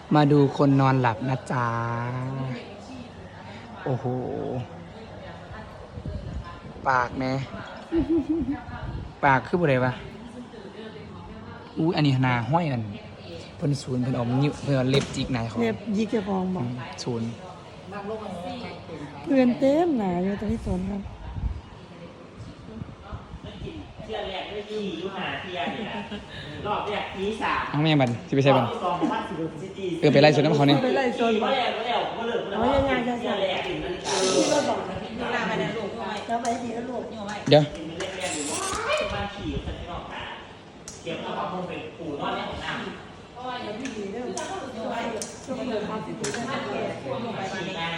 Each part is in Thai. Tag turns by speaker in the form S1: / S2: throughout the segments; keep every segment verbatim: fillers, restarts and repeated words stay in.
S1: มาดูคนนอนหลับนะจ๊ะโอ้โหปากแม่ปากคืออะไรวะอู้อันนี้นาห้อยกันเพิ่นศูนย์เพิ่นอมนิ้วเพิ่นเอาเล็บจิกนายเขา
S2: เล็บยิกจะพองบอก
S1: ศูนย์
S2: เพื่อนเต็มหนาอยู่ตรงที่สวนครับ
S3: เที่ยแรกไม่ขี่ยุ่งหาเที่ยนี่นะรอบแรกขี่สาม
S1: เอาแม่บันสิไปใส่บัน
S3: สองพันสิบสี่สิบ
S1: เออไปไล่สวนน้ำเขาเนี่ย
S2: ไปไล่โซน
S3: ขี่
S2: บอ
S3: มาก แล้วมาแล้วมาเลยมาแล้วเที่ยแรกถึงนาฬิกา
S2: ที่รถบอกลาไปนะลูกแล้วไปทีแล้วลูก
S1: เดี๋ยว
S3: เป็นแรกแรกอยู่บ้านขี่กันที่นอกหาเก็บเอาความคงเป็นปู่นอนในของน้ำขี่ได้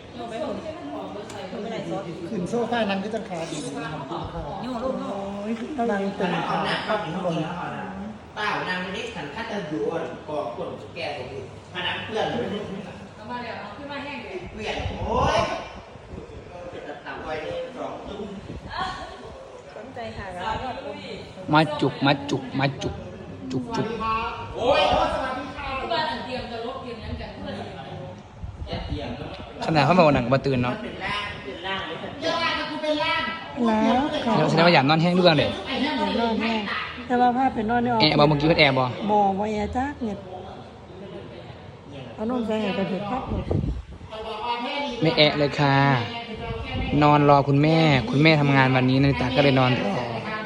S4: ขึ้นโซ่ฟ้านั่งที่ต้นขาดีนะครับโอ้ยนั่งเต็ม
S3: เอาหนักเข้าถึงลงแล้วนะเปล่านางไม่ได้ขันคัดจะดูอ่ะก่อก้นแก่ตรงนี้มานักเพื่อนเลยเอามาเดี๋ยวเอาขึ้นมาแห้งเลยเปลี่ยนโอ้ยจะทำไว้สองตุ้ม
S2: สนใจค่ะแล้วก็
S1: มาจุกมาจุกมาจุกจุกจุก
S3: โอ้ย
S5: บ้านอันเตรียมจะลบเตรียมนั้นกันเพื่อน
S3: อย่าเตียง
S1: ขนาดเขามาวันหนังมาตื่นเนาะ
S3: เป็นล่างเป็นล่างเลย
S2: แล้วค่ะ
S1: แสดงว่าอยากนอนแห้งด้วยกันเลย
S2: เดี๋ยวนอนแม่แต่ว่าผ้าเป็นนอนเนี่ย
S1: แอร์บอเมื่อกี้เพิ่นแอร์บอ
S2: บ่บ่แอร์จักเนี่ยเอานอนใส่ให้ไปเถอะครับลูก
S1: ไม่แอะเลยค่ะ นอนรอคุณแม่ คุณแม่ทำงานวันนี้นาฬิตาก็เลยนอนรอ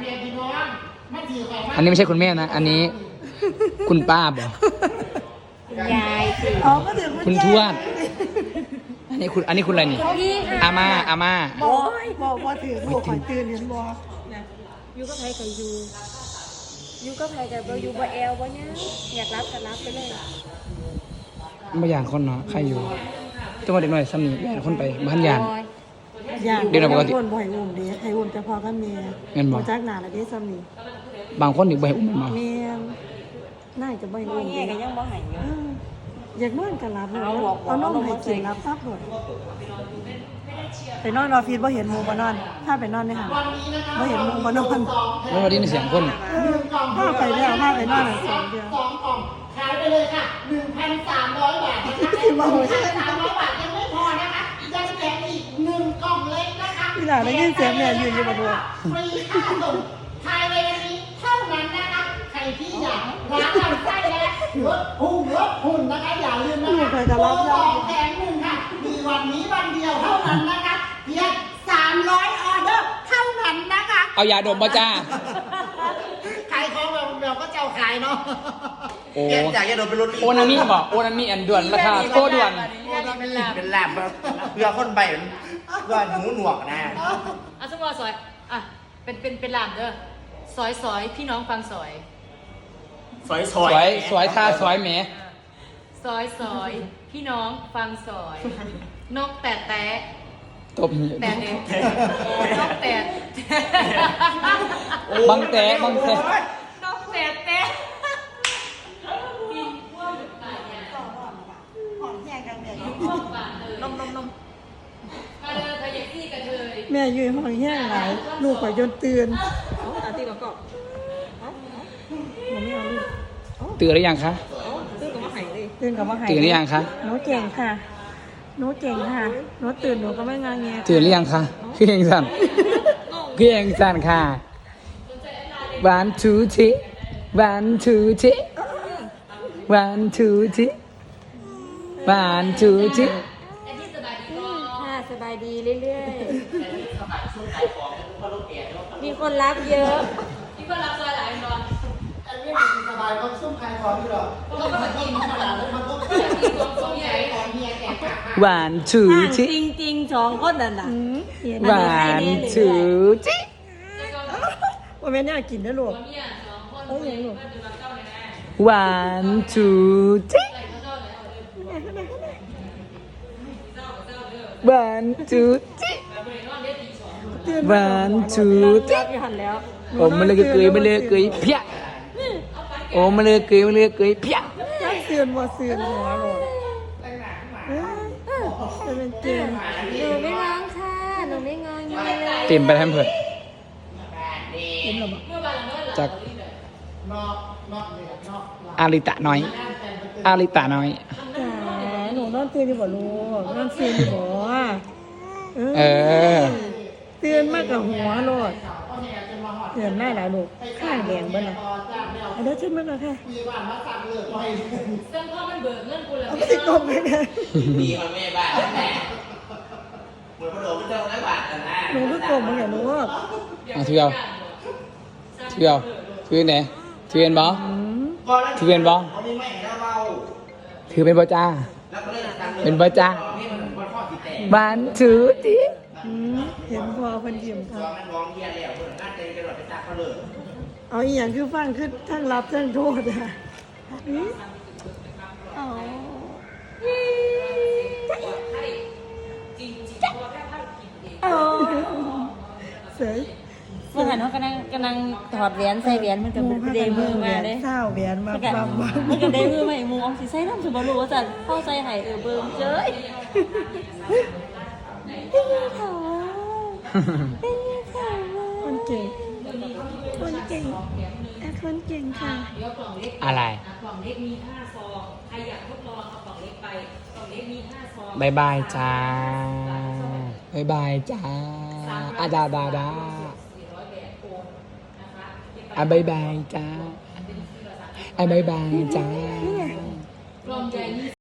S1: อันนี้ไม่ใช่คุณแม่นะ อันนี้คุณป้าบอก
S5: ยายสิ
S2: อ๋อก็ถึง
S1: คุณทวด อันนี้คุณอันนี้คุณอะไรนี่
S5: พี่ค่ะ
S1: อาม่าอาม่า
S2: บอกบอกว่าถือลูกข่อยตื่นเห็นบ่
S5: ยูก็ไพกับยูยูก็ไพกับเรายูบ่แอลบ่เนี่ยอยากรับก็รับไปเลย
S1: ไม่อย่างคนเนาะใครอยู่ตัวเด็กหน่อยซ้ำนี่แย่คนไปบ้านยาน
S2: อย่าง
S1: เดี๋ยวเราปกติ
S2: วนบ่ให้อุ้มดิให้อุ้มแต่พอกับแม่
S1: เงินบ่
S2: จักหน้าละเด้ซ้ำนี่
S1: บางคนอีกใบอุ้มมา
S2: แม่น่าจะบ่ให้อุ้มดิ
S5: ก็ยังบ่หายอยู่
S2: เอออยากนอนกันหลับเลยเอานมให้กินหลับซับหมดไปนอนออฟฟิศบ่เห็นหมู่บ่นอนถ้าไปนอนในห้างบ่เห็นหมู่บ่นอน
S1: แล้ววันนี้เสียงคน
S2: ถ้าไปแล้วถ้าไปนอนสองเดือน
S4: สองกล่องขายไปเลยค่ะหนึ่งพันสามร้อยบาทนะคะ
S2: ที่มาโหย
S4: สามร้อยบาทยังไม่พอนะคะยังแถมอีกหนึ่งกล่องเล็กนะคะ
S2: พี่หลานได้ยินเสียงแม่อยู่อยู่บ่ด้วย
S4: ฟรีค่าส่งภายในวันนี้เท่านั้นนะคะใครที่อยากร้านลำไส้และลดพุงลดหุ่นนะคะอย่าลืมนะคะโปรสองแถมหนึ่งค่ะมีวันนี้วันเดียวเท่านั้นนะคะเพียงสามร้อยออเดอร์เท่านั้นนะคะ
S1: เอายาดมมาจ้า
S4: ขายของแบบแบบก็เจ้าขายเนาะ
S1: โอ้
S3: แกจากจะโดนเป็นรถ
S1: โอนามิบอกโอนามิอันด่วนราคาโคด่วน
S3: เป็นลาบเป็นลาบเพื่อคนไปเพื่อหูหนวกนะ
S5: อ่ะสมมติว่าซอยอ่ะเป็นเป็นเป็นลามเด้อซอยซอยพี่น้องฟังซอย
S3: สวยส
S1: ส
S3: ว
S1: วย ยสวยตาสวยแหม
S5: ซอยซอยพี่น้องฟังซอย นกแต่แต่
S1: ตบ
S5: แต่เด็กนกแต่
S1: บังแตะบังแตะ
S5: นกแต่แต่
S2: หอมแห้งกันแม่
S5: นมนมนมมาเดินทะเยซี่กันเลย
S2: แม่อยู่ห้องแห้งหลายลูกข่อยจนตื่น
S5: อาตีกอก
S2: หนูไม่เอาลูก
S1: ตื่นหรือยังคะ
S5: ตื้อกับมาหายเลย
S2: ตื่นกับว่าหาย
S1: ตื่นหรือยังคะ
S2: หนูเก่งค่ะหนูเก่งค่ะหนูตื่นหนูก็ไม่งอแง
S1: ตื่นหรือยังคะคือเองสั่นคือเองสั่นค่ะ one two three one two three one two three one two three
S5: ค่ะสบายดีเรื่อยๆ มีคนรับเยอะ มีคนรับซอยหลายนอน
S4: อันนี้สบายก็ซุ่มขายของอยู่หรอ
S5: เขาก็มากินขนาดนั้นมันก็กินของของใหญ่ของเมียแก่ค่ะ
S1: one two
S5: จริ
S1: three
S5: งจริงสองคนนั่นน่ะ
S1: one two three
S2: ว่าแม่เนี่ยกินได้ลูก
S5: เมียสองคน
S2: เอ้ยยังลูก
S5: ก็จะมาเข้าในนั้น
S1: one two three one two three
S2: ตื่น
S1: one two
S2: รั
S1: three
S2: บอยู่หันแล้ว
S1: โอ้มาเลยเกยมาเลยเกยเพี้ยโอ้มาเลยเกยมาเลยเกยเพี้ย
S2: ยังตื่นบ่ตื่นหัวหรอกจะเป็นเกม
S5: หนูไม่ร้องค่ะ หนูไม่งองเงี้ยเลย
S1: เต็มไปทั้งเผิด
S2: เป็นหรอ
S1: จาก
S4: นอกนอกเลยนอก
S1: อาริตะน้อย
S4: แต่งไปเต็
S1: อาริตาน้อย
S2: จ๋าหนูนอนตื่นอยู่บ่ลูกนอนตื่นอยู่บ่
S1: เออ
S2: ตื่นมากกับหัวโลดเตือนได้หลายลูกข้างแดงเบิ่นล่ะเอาเดี๋ยวขึ้นมาก่อนค่ะ
S4: มีบ้านมาสั่งเลยไป
S5: ซึ่งพ่อมันเบิกเงินกูแล้ว
S2: เอาไปติดกบเลยนะ
S3: มีคนแม่บ้านแม่เหมือนพระโดดไม่ต้องร้อยบาทกันนะ
S2: หนูก็กบมันอย่ารู้ว่า
S1: เอาถือเอาถือเอาถือไหนถือเป็นบอ
S2: อืม
S1: ถือเป็นบอ
S3: เขาไม่ไม่แล้วเรา
S1: ถือเป็นบอจ้า
S3: แล้วก็เลยตัง
S1: เป็นบอจ้า
S3: นี่มันบอข้อที่แตก
S1: วันถือที
S2: อืมเห็นพอเพิ่นยิ้มค
S3: ซ
S2: รั
S3: อบ งนั้นร้องเยียแล้วคนน่าจะกระโดดไปตักเขาเลย
S2: เอาอีหยังคือฟังคือทั้งรับทั้งโทษอ่ะอืมอ๋อ อ๋อเสย
S5: เมื่อหันเขากำลังกำลังถอดแหวนใส่แหวนมันก็เดมือมาเลย
S2: เศร้าแหวนมา
S5: มันก็
S2: ปั๊มมา
S5: มันก็เดมือมาอีกมูออมสิใส่น้ำสมบูรณ์ว่าจันพ่อใส่ไห้เออเบิ่มเจ้ยเป็นยังไงเป็นยังไง
S2: คนเก่งคนเก่งแอดคนเก่งค่ะ
S1: อะไร
S5: กล่องเล็กมีห้าซองใครอยากทดลองเอากล่องเล็กไปกล่องเล็กมีห้าซอง
S1: บายบายจ้าบายบายจ้าอาดาดาดาอ่ะบายบายจ้าอ่ะบายบายจ้า
S5: กล่องใหญ่มี